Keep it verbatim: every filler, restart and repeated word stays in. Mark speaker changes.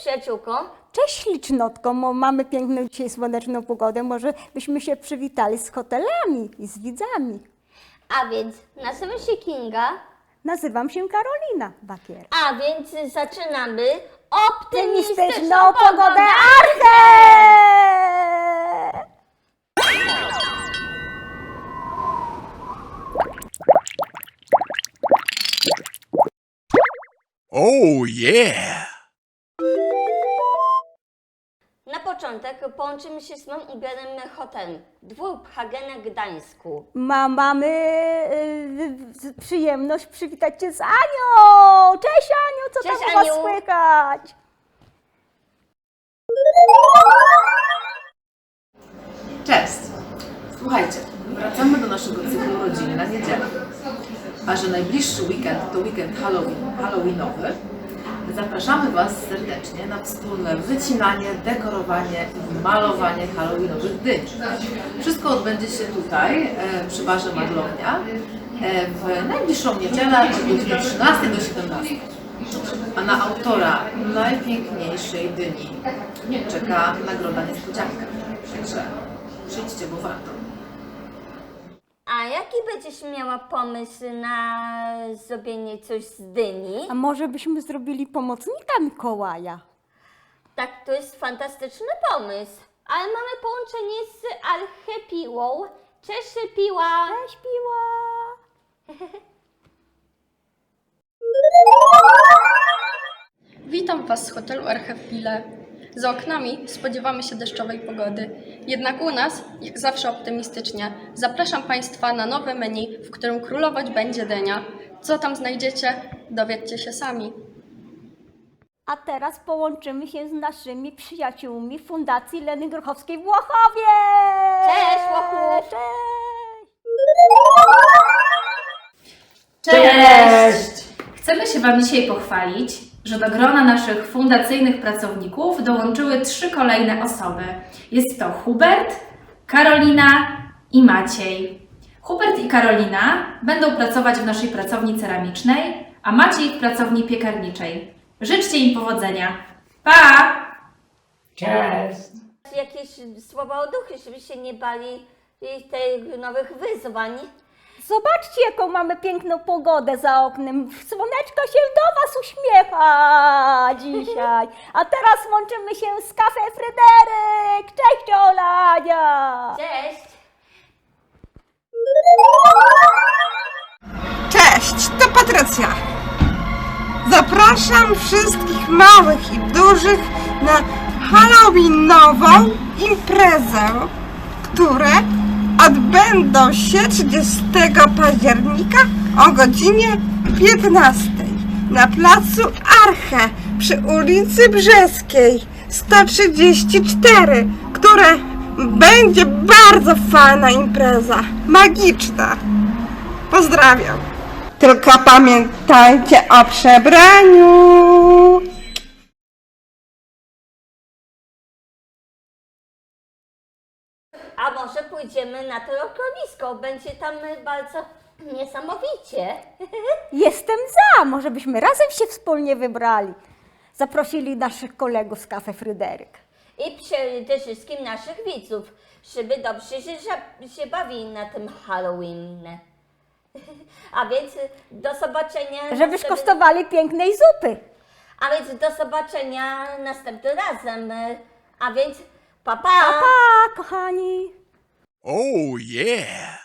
Speaker 1: przyjaciółko.
Speaker 2: Cześć ślicznotko, mo- mamy piękną dzisiaj słoneczną pogodę, może byśmy się przywitali z hotelami i z widzami.
Speaker 1: A więc nazywam się Kinga,
Speaker 2: Nazywam się Karolina Bakier.
Speaker 1: a więc zaczynamy optymistyczną
Speaker 2: Optymistyczną
Speaker 1: pogodę
Speaker 2: pogodę
Speaker 1: Arche!
Speaker 2: Arche!
Speaker 3: Oh yeah!
Speaker 1: Na początek połączymy się z moim ulubionym hotelem Dwór Hagena w Gdańsku.
Speaker 2: Ma, mamy y, przyjemność przywitać Cię z Anią! Cześć Aniu, co
Speaker 1: Cześć,
Speaker 2: tam u Was
Speaker 1: Aniu.
Speaker 2: słychać?
Speaker 4: Cześć! Słuchajcie, wracamy do naszego cyklu Rodziny na niedzielę. A że najbliższy weekend to weekend Halloween, Halloweenowy, zapraszamy Was serdecznie na wspólne wycinanie, dekorowanie i malowanie halloweenowych dyń. Wszystko odbędzie się tutaj, e, przy barze Maglownia, e, w najbliższą niedzielę od godziny trzynastej do siedemnastej. A na autora najpiękniejszej dyni czeka nagroda niespodzianka. Także przyjdźcie, bo warto.
Speaker 1: A jaki będziesz miała pomysł na zrobienie coś z dyni?
Speaker 2: A może byśmy zrobili pomocnika Mikołaja?
Speaker 1: Tak, to jest fantastyczny pomysł. Ale mamy połączenie z Archepiłą. Cześć, Piła!
Speaker 2: Cześć Piła!
Speaker 5: Witam Was z hotelu Archipile. Za oknami spodziewamy się deszczowej pogody. Jednak u nas, jak zawsze optymistycznie, zapraszam Państwa na nowe menu, w którym królować będzie dynia. Co tam znajdziecie, dowiedzcie się sami.
Speaker 2: A teraz połączymy się z naszymi przyjaciółmi Fundacji Leny Grochowskiej w Łochowie!
Speaker 1: Cześć, Łochów!
Speaker 2: Cześć!
Speaker 6: Cześć! Chcemy się Wam dzisiaj pochwalić, że do grona naszych fundacyjnych pracowników dołączyły trzy kolejne osoby. Jest to Hubert, Karolina i Maciej. Hubert i Karolina będą pracować w naszej pracowni ceramicznej, a Maciej w pracowni piekarniczej. Życzcie im powodzenia. Pa!
Speaker 7: Cześć!
Speaker 1: Jakieś słowa oduchy, żeby się nie bali tych nowych wyzwań.
Speaker 2: Zobaczcie, jaką mamy piękną pogodę za oknem. Słoneczko się do Was uśmiecha dzisiaj. A teraz łączymy się z Cafe Fryderyk. Cześć Olania!
Speaker 1: Cześć!
Speaker 8: Cześć, to Patrycja. Zapraszam wszystkich małych i dużych na halloweenową imprezę, które odbędą się trzydziestego października o godzinie piętnastej na placu Arche przy ulicy Brzeskiej sto trzydzieści cztery, które będzie bardzo fajna impreza, magiczna. Pozdrawiam. Tylko pamiętajcie o przebraniu.
Speaker 1: A może pójdziemy na to lokalisko? Będzie tam bardzo niesamowicie.
Speaker 2: Jestem za, może byśmy razem się wspólnie wybrali. Zaprosili naszych kolegów z Cafe Fryderyk.
Speaker 1: I przede wszystkim naszych widzów, żeby dobrze się, się bawili na tym Halloween. A więc do zobaczenia.
Speaker 2: Żeby
Speaker 1: następnym-
Speaker 2: skosztowali pięknej zupy.
Speaker 1: A więc do zobaczenia następnym razem. A więc pa pa!
Speaker 2: Pa, pa kochani!
Speaker 3: Oh yeah!